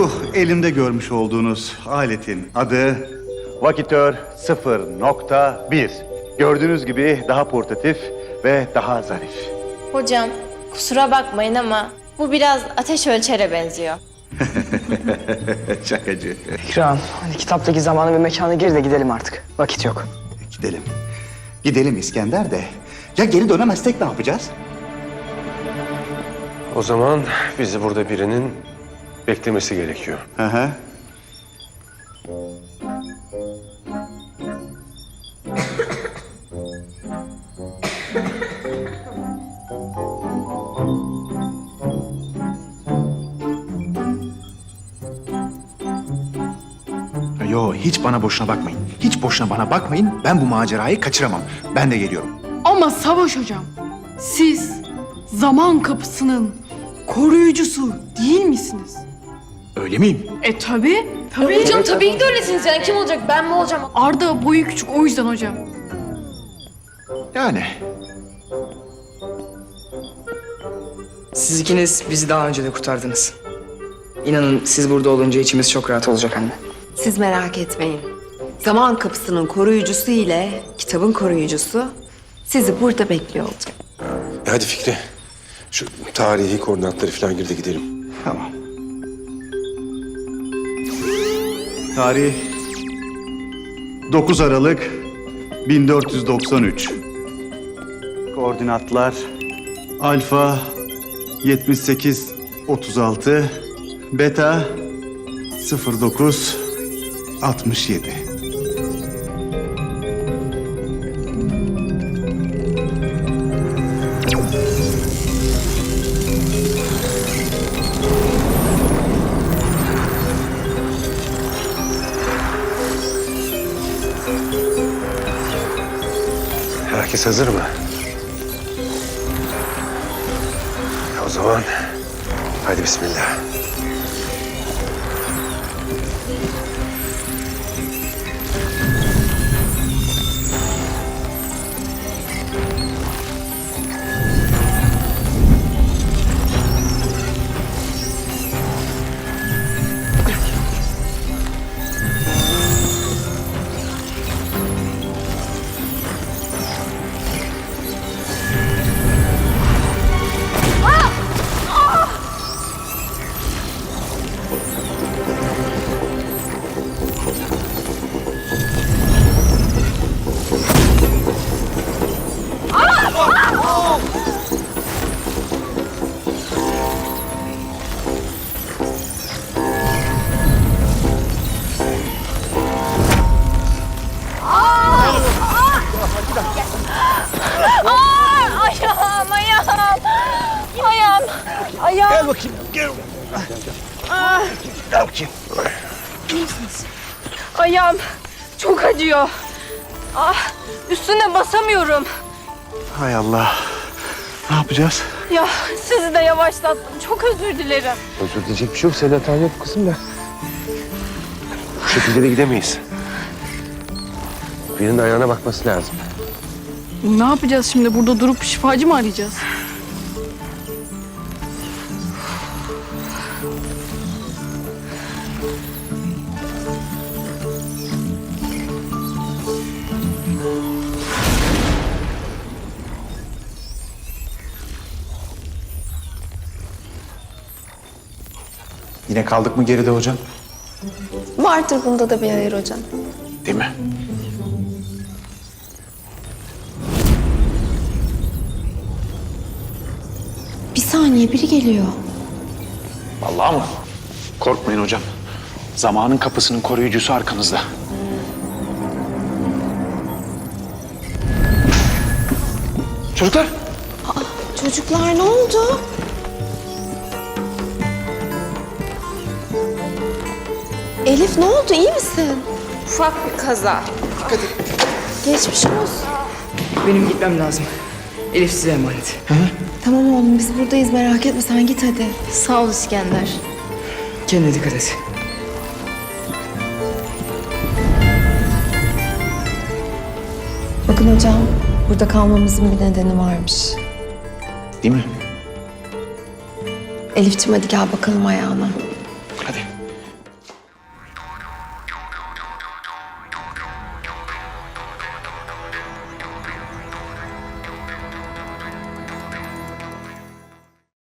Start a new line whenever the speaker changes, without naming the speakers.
Şu elimde görmüş olduğunuz aletin adı Vakitör 0.1. Gördüğünüz gibi daha portatif ve daha zarif.
Hocam, kusura bakmayın ama bu biraz ateş ölçere benziyor.
Şakacı.
İkram, hadi kitaptaki zamanı ve mekana gir de gidelim artık. Vakit yok.
Gidelim. Gidelim İskender de. Ya geri dönemezsek ne yapacağız?
O zaman bizi burada birinin beklemesi gerekiyor.
Hı hı.
Yo, hiç bana boşuna bakmayın. Hiç boşuna bana bakmayın. Ben bu macerayı kaçıramam. Ben de geliyorum.
Ama Savaş hocam, siz zaman kapısının koruyucusu değil misiniz?
Öyle miyim?
Tabii.
Hocam tabii ki de öylesiniz yani. Kim olacak? Ben mi olacağım?
Arda boyu küçük o yüzden hocam.
Yani.
Siz ikiniz bizi daha önce de kurtardınız. İnanın siz burada olunca içimiz çok rahat olacak anne.
Siz merak etmeyin. Zaman kapısının koruyucusu ile kitabın koruyucusu sizi burada bekliyor olacak.
Hadi Fikri. Şu tarihi koordinatları falan gir de gidelim.
Tamam. Tarih 9 Aralık 1493. Koordinatlar alfa 7836, beta 0967.
Herkes hazır mı? O zaman hadi bismillah.
Ayağım.
Gel bakayım, gel. Gel bakayım.
Ayağım çok acıyor. Üstüne basamıyorum.
Hay Allah. Ne yapacağız?
Ya sizi de yavaşlattım. Çok özür dilerim.
Özür dileyecek bir şey yok. Senin hatan yok kızım da. Bu şekilde de gidemeyiz. Birinin ayağına bakması lazım.
Ne yapacağız şimdi? Burada durup şifacı mı arayacağız?
Yine kaldık mı geride hocam?
Vardır bunda da bir hayır hocam.
Değil mi?
Bir saniye biri geliyor.
Vallahi mı? Korkmayın hocam. Zamanın kapısının koruyucusu arkanızda. Çocuklar.
Çocuklar ne oldu? Elif ne oldu? İyi misin? Ufak bir kaza. Geçmiş olsun.
Benim gitmem lazım. Elif size emanet.
Tamam oğlum biz buradayız merak etme sen git hadi. Sağ ol İskender.
Kendine dikkat et.
Bakın hocam burada kalmamızın bir nedeni varmış.
Değil mi?
Elifciğim hadi gel bakalım ayağına.